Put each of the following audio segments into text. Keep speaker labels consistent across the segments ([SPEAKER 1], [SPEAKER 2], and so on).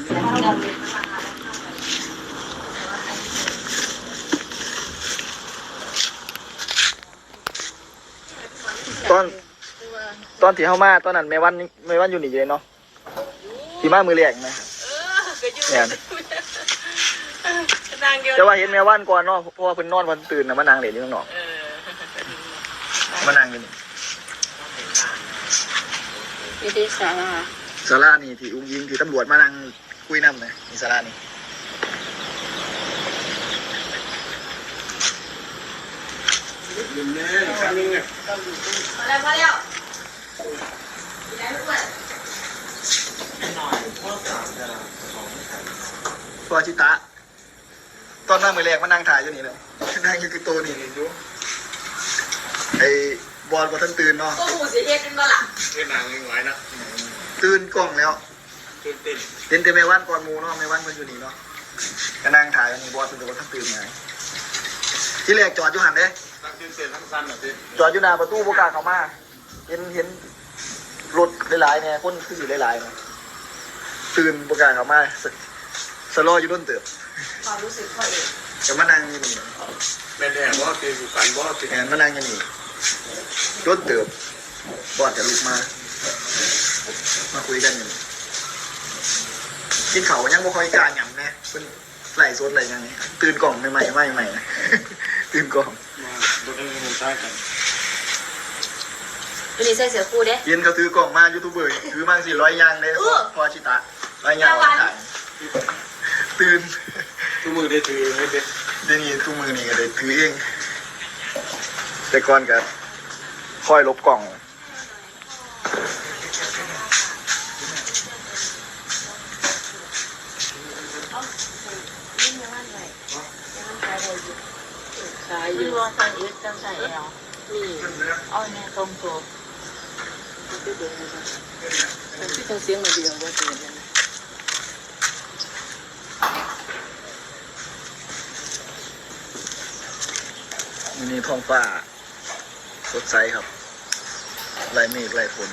[SPEAKER 1] ตอนที่เข้ามาตอนนั้นแม่วันอยู่นี่เลยเนาะที่มามือแรกไหมเนี่ยจะว่าเห็นแม่วันก่อนเนาะเพราะว่าเพิ่นนอนวันตื่นนะมานางเหรียญอยู่ข้างนอกมานางอยู่นี่
[SPEAKER 2] ที่ศาลา
[SPEAKER 1] นี่ที่อุ้งยิงที่ตำรวจมานั่งคุยน้ำนะนี่ศาลานี่
[SPEAKER 2] พอแล้ว
[SPEAKER 1] ตัวชิตะตอนนั่งมือแรกมานั่งถ่ายอยู่นี่เลยนั่งอยู่คือตัวนี่ดูไอ้บอลบอลท่านตื่นเนาะ
[SPEAKER 2] ก็หูเสียเฮ็ดกันบ่ล่ะ
[SPEAKER 3] เฮ็ดนางยังไงนะ
[SPEAKER 1] ตื่นกล้องแล้ว
[SPEAKER 3] ตื่นเต้น
[SPEAKER 1] แต่ไม่วันก่อนมูเนาะไม่วันเพิ่นอยู่นี่เนาะก็นั่งถ่ายอยู่นี่บอลเป็นบอลท่านตื่นไงที่แรกจอดอยู่หันเด้
[SPEAKER 3] ทั้งตื่นเต้นทั้งสั้นแบบนี้
[SPEAKER 1] จอดอยู่หน้าประตูบ่กล้าเข้ามาเห็นรถหลายๆเนี่ยคนคืออยู่หลายๆเนี่ยตื่นบ่กล้าเข้ามาสโลอยู่ต้นเติบ
[SPEAKER 2] ความรู้สึกเขาเอง
[SPEAKER 1] จะมานั่งอยู่นี่
[SPEAKER 3] แม่แดงบ่ตีสุขันบ่ตี
[SPEAKER 1] แอนมานั่งอยู่นี่ต้นเติบบอดจะลุกมาคุยกันอยู่กินเขายังบ่ค่อยกล้าหยั่งนะเป็นไหลโซนไหลยังนี่ตื่นกล่องใหม่นะตื่นกล่อง
[SPEAKER 3] บ่ได้รู้ใช่กัน
[SPEAKER 2] วันนี้ใส่เสื้อคู่เด้
[SPEAKER 1] เย็นเขาถือกล่องมายูทูบเบอร์ถือมา400ยางเลยพอชิตะ100ยางถ่ายตื่น
[SPEAKER 3] ทุกมือได้ถือให้เด็ด
[SPEAKER 1] เดี๋ยวนี้ทุกมือนี่ก็ได้ถือเองแต่ก่อนก็ค่อยลบกล่อง
[SPEAKER 2] ขายอยู่ว่าทางอึดจังใส่แล้วนี่เอาแน่ตรงตัวมันที่ต้องเสียงมาเดียวว่าเป็นยังไง
[SPEAKER 1] นี่ท้องฟ้าสดใสครับไล่เมฆไล่ฝน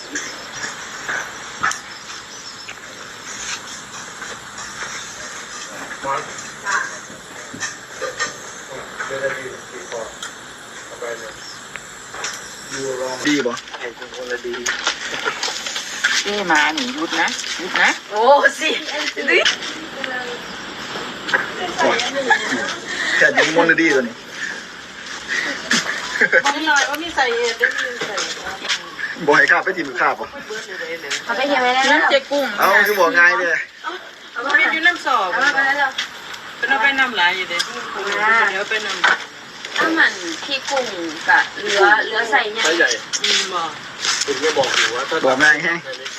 [SPEAKER 1] ดีป่ะ
[SPEAKER 3] ไอ้คนละดี
[SPEAKER 2] มาหนิยุดนะโอ้สิดิ
[SPEAKER 1] แค่ยิงมอนดีตัวนี้
[SPEAKER 2] ไม่ลอยว่ามีใส่ได้มีใส่
[SPEAKER 1] บ่ให้ข้าไปทีมือข้าป่ะ
[SPEAKER 2] เขาไปเห็นไหมแล้วน้ำเจ๊กุ้ง
[SPEAKER 1] เอาคือบอกง่ายเลย
[SPEAKER 2] เอาไปอยู่น้ำสอบเอาไปแล้วเป็นเอาไปน้ำหลายอยู่เด้เดี๋ยวไปน้ำถ้ามันพี่กุ้งกับเรือใส่ใหญ่
[SPEAKER 3] บอกคุณไม่บอกอยู่ว่าถ้า
[SPEAKER 1] บอกง่ายแฮะ